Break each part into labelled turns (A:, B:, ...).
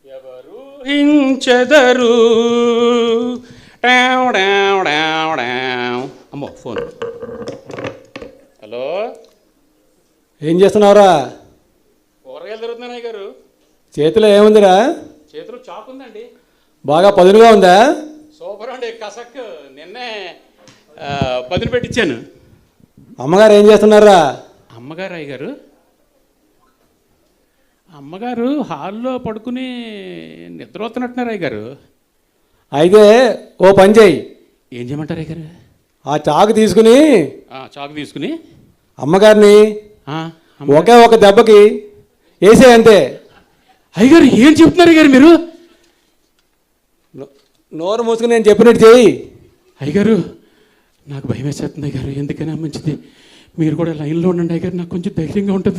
A: ఎవరు హించెదరు. అమ్మో phone. Hello,
B: ఏం చేస్తున్నావురా?
A: కూరగాయలు దొరుకుతున్నాయి గారు.
B: చేతిలో ఏముందిరా?
A: చేతిలో చాకు ఉందండి.
B: బాగా పదునుగా ఉందా?
A: సూపర్ అండి, కసక్. నిన్నే పదును పెట్టించాను.
B: అమ్మగారు ఏం చేస్తున్నారా?
A: అమ్మగారు అయ్యగారు, అమ్మగారు హాల్లో పడుకుని నిద్రపోతున్నట్టున్నారు అయ్యగారు.
B: అయితే ఓ పని చేయి.
A: ఏం చేయమంటారు అయ్యగారు?
B: ఆ చాకు తీసుకుని
A: చాకు తీసుకుని
B: అమ్మగారిని ఒకే ఒక దెబ్బకి వేసే అంతే.
A: అయ్యగారు ఏం చెప్తున్నారు అయ్యగారు మీరు?
B: నోరు మూసుకుని నేను చెప్పినట్టు చేయి.
A: అయ్యగారు నాకు భయం వేసేస్తుంది అయ్యగారు. ఎందుకైనా మంచిది మీరు కూడా లైన్లో ఉండండి అయ్యగారు, నాకు కొంచెం ధైర్యంగా ఉంటుంది.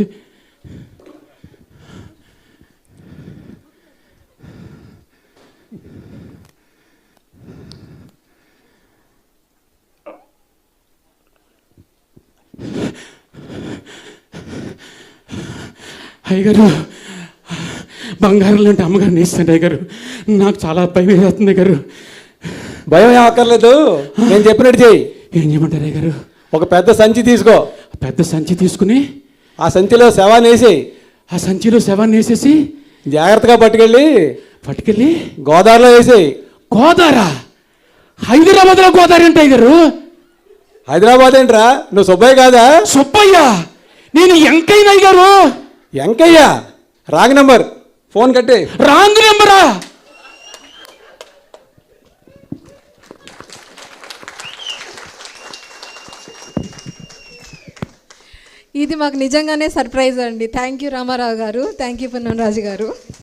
A: అయ్యగారు బంగారం లాంటి అమ్మగారిని ఇస్తాను అయ్యగారు, నాకు చాలా భయం వేస్తుంది అయ్యగారు.
B: భయం ఏం అక్కర్లేదు, నేను చెప్పినట్టు చేయి.
A: ఏం చేయమంటారు అయ్యగారు?
B: ఒక పెద్ద సంచి తీసుకో.
A: పెద్ద సంచి తీసుకుని
B: ఆ సంచిలో శవాన్ని వేసేయి.
A: ఆ సంచిలో శవాన్ని వేసేసి
B: జాగ్రత్తగా పట్టుకెళ్ళి గోదావరిలో వేసేయి.
A: గోదావరా? హైదరాబాద్లో గోదావరి అంటే అయ్యగారు?
B: హైదరాబాద్ ఏంట్రా, నువ్వు సుబ్బయ్య కాదా?
A: సుబ్బయ్య? నేను ఎంకైనా అయ్యగారు.
B: ఎంకయ్య రాంగ్ నెంబర్, ఫోన్ కట్టే.
A: రాంగ్ నెంబరా?
C: ఇది మాకు నిజంగానే సర్ప్రైజ్ అండి. థ్యాంక్ యూ రామారావు గారు, థ్యాంక్ యూ పున్నం రాజు గారు.